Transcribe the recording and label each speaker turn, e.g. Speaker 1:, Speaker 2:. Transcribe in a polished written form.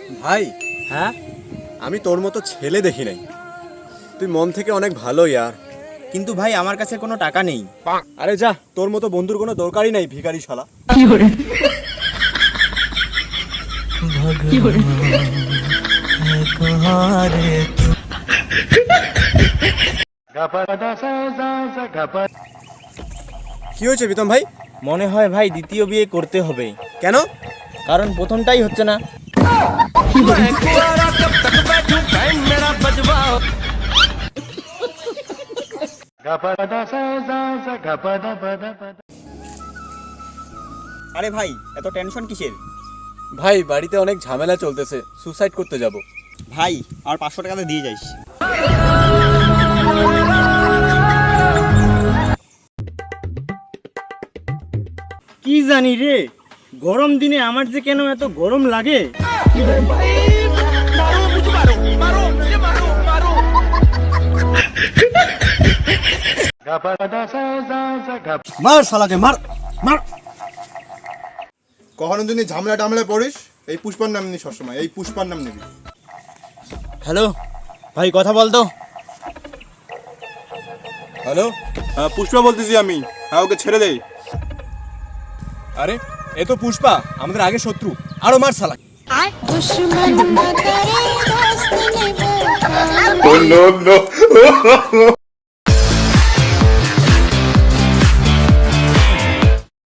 Speaker 1: ভাই,
Speaker 2: হ্যাঁ
Speaker 1: আমি তোর মতো ছেলে দেখি নাই। তুই মন থেকে অনেক ভালো ইয়ার।
Speaker 2: কিন্তু ভাই আমার কাছে কোনো টাকা নেই।
Speaker 1: আরে যা, তোর মতো বন্ধুর কোনো দরকারই নাই, ভিখারি শালা। কি হয়েছে বিতম ভাই?
Speaker 2: মনে হয় ভাই দ্বিতীয় বিয়ে করতে হবে।
Speaker 1: কেন?
Speaker 2: কারণ প্রথমটাই হচ্ছে না। আরে ভাই, এত টেনশন কিসের?
Speaker 1: ভাই, বাড়িতে অনেক ঝামেলা চলতেছে, সুসাইড করতে যাব।
Speaker 2: ভাই আর 500 টাকাতে দিয়ে যাইস। কি জানি রে, গরম দিনে আমার যে কেন এত গরম লাগে।
Speaker 1: মার শালাকে, মার মার।
Speaker 3: কখনো যদি ঝামেলা টামলা পড়িস, এই পুষ্পার নাম নিবি সবসময়, এই পুষ্পার নাম নিবি।
Speaker 2: হ্যালো ভাই, কথা বল তো।
Speaker 1: হ্যালো,
Speaker 3: হ্যাঁ পুষ্পা বলতেছি আমি। হ্যাঁ ওকে ছেড়ে দেই।
Speaker 1: আরে এ তো পুষ্পা, আমাদের আগে শত্রু। আরো মার শালা।
Speaker 4: दुश्मन न करे दोस्त ने वो
Speaker 3: नो नो